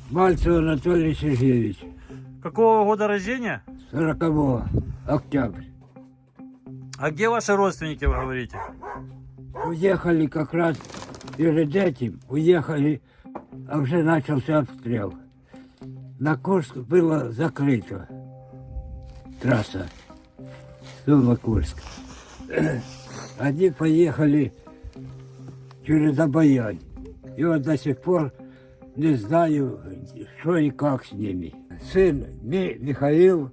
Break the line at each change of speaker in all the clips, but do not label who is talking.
Мальцев Анатолий Сергеевич,
Какого года рождения?
40 октября.
А где ваши родственники, вы говорите?
Уехали как раз перед этим, уехали, а уже начался обстрел. На Курск было закрыто трасса Сума-Курск. Они поехали через Обоянь. И вот до сих пор не знаю, что и как с ними. Сын Михаил,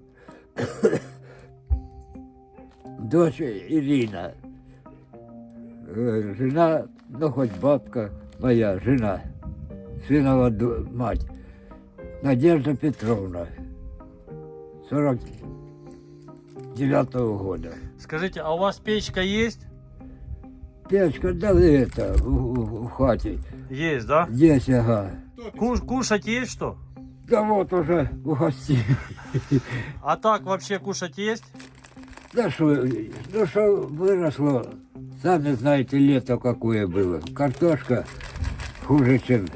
дочь Ирина, жена, ну хоть бабка моя, жена, сынова мать, Надежда Петровна, 49-го года.
Скажите, а у вас печка есть?
Печка, да это, в хате.
Есть, да?
Есть, ага.
Кушать есть что?
Да вот уже угостили.
А так вообще кушать есть?
Да что, ну что выросло, сами знаете, лето какое было. Картошка хуже, чем...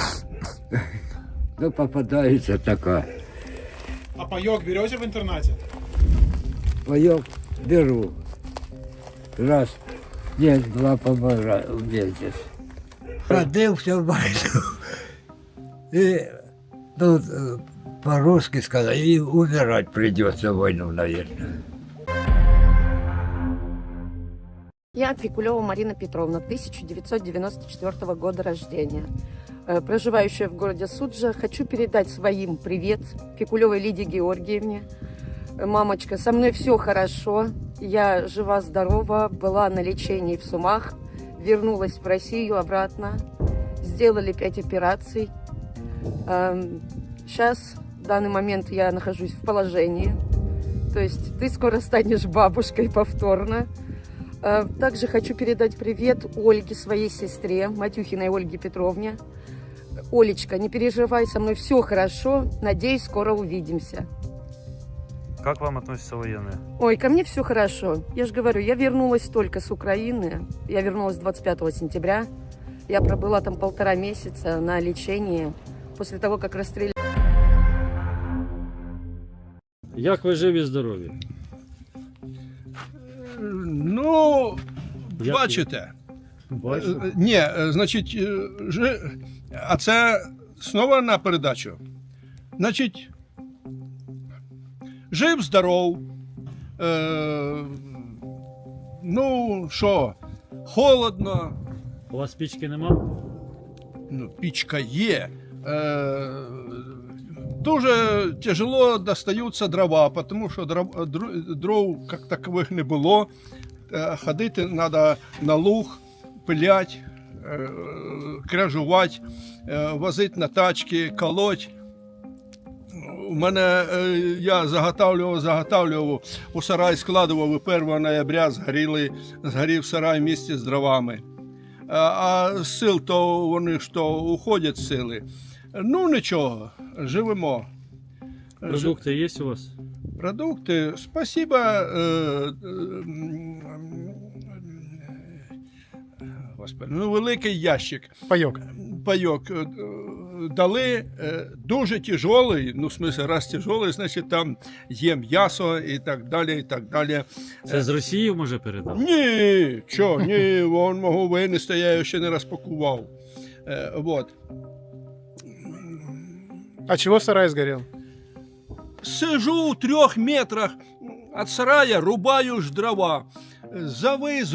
Ну, попадается такая.
А паёк берете в интернате?
Паёк беру. Раз, нет, два, по-моему, в месяц. Родился в войну. И, ну, по-русски сказать, и умирать придется в войну, наверное.
Я Пикулева Марина Петровна, 1994 года рождения. Проживающая в городе Суджа, хочу передать своим привет Пикулевой Лидии Георгиевне. Мамочка, со мной все хорошо, я жива-здорова, была на лечении в Сумах, вернулась в Россию обратно, сделали 5 операций. Сейчас, в данный момент, я нахожусь в положении, то есть ты скоро станешь бабушкой повторно. Также хочу передать привет Ольге, своей сестре, Матюхиной Ольге Петровне. Олечка, не переживай, со мной все хорошо, надеюсь, скоро увидимся.
Как к вам относятся военные?
Ой, ко мне все хорошо. Я же говорю, я вернулась только с Украины. Я вернулась 25 сентября. Я пробыла там 1,5 месяца на лечении после того, как расстреляли.
Як ви живі здорові?
Ну,
Як
бачите.
Бачу.
Ні, значить, а це знову на передачу. Значить, жив, здоров. Ну, що, холодно,
У вас пічки нема?
ну, пічка є. Дуже тяжело достаються дрова, тому що дров як такових не було. Ходити треба на луг, пилять, кряжувати, возити на тачки, колоть. У мене, я заготавлював, у сарай складував, і 1 ноября згорів сарай місце з дровами. А з сил то вони що уходять з сили. Ну нічого, живемо.
Продукти є у вас?
Продукти, спасибо. Господи, ну великий ящик. Пайок дали, дуже тяжелий, ну в смысле, раз тяжелий, значить там є м'ясо і так далі, і так далі.
Це з Росії може передав?
Ні, що, ні, вон мого винести, я його ще не розпакував. Вот.
А чего сарай сгорел?
Сижу в 3 метрах від сарая, рубаю ж дрова. Завис,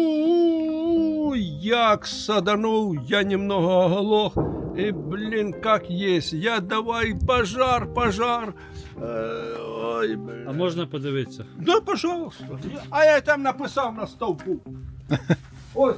як саданув, я немного оглох. И, блин, как есть. Я давай, пожар. Ой, блин.
А можна подивитися?
Да, пожалуйста. А я там написав на стовпу. Ось.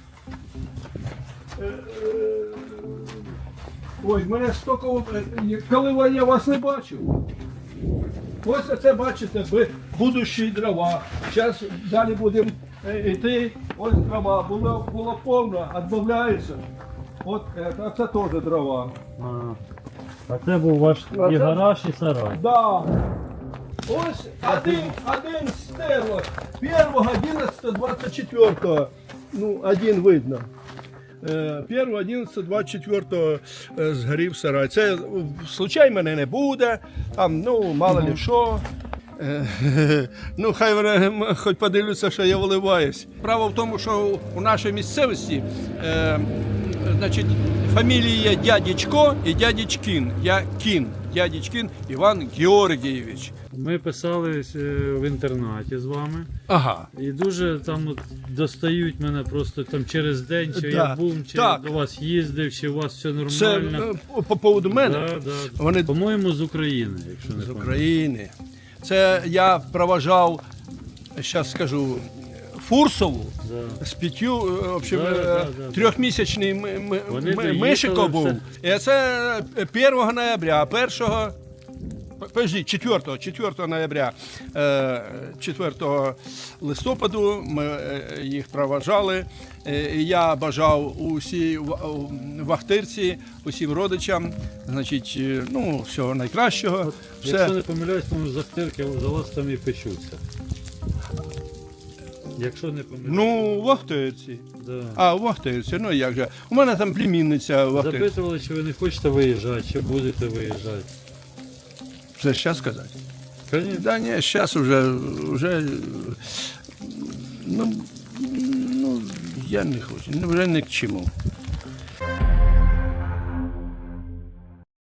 Ой, мене стільки, коли я вас не бачив. Ось це, бачите, будущі дрова. Зараз далі будемо йти. Ось дрова. Було повно, відбавляється. От це теж дрова.
А це був ваш і гараж, і сарай.
Да. Ось один стерло. 1, 11, 24. Ну, один видно. 1.11.24 згорів сарай. Це случай мене не буде, там, ну, мало ли що. Ну, хай вони хоч подивляться, що я виливаюсь. Справа в тому, що у нашій місцевості значить, фамілії Дядечко і Дядечкін. Я Кін. Дядечкін Іван Георгійович.
Ми писали в інтернаті з вами.
Ага.
І дуже там от, достають мене просто там через день, чи
Да,
я був, чи
так.
до вас їздив, чи у вас все
Це
нормально.
по поводу мене.
Да, да.
Вони
По-моєму, з України, якщо не
з
помиляюсь.
України. Це я проважав, зараз скажу, Фурсову
Да.
з 5, в общем,
Да.
трьохмісячний
Вони доїхали,
мишико був.
все.
І це 1 ноября, 4 ноября, 4 листопаду ми їх проважали. І я бажав усій вахтирці, усім родичам, значить, ну, всього найкращого.
Якщо не помиляюсь, тому захтирки за вас там і печуться. Якщо не помиляюсь.
Ну, вахтирці.
Да.
А, вахтирці, ну як же. У мене там племінниця вахтирці.
Запитували, чи ви не хочете виїжджати, чи будете виїжджати.
Це зараз сказати?
Конечно.
Да ні, зараз вже ну, я не хочу, вже не к чому.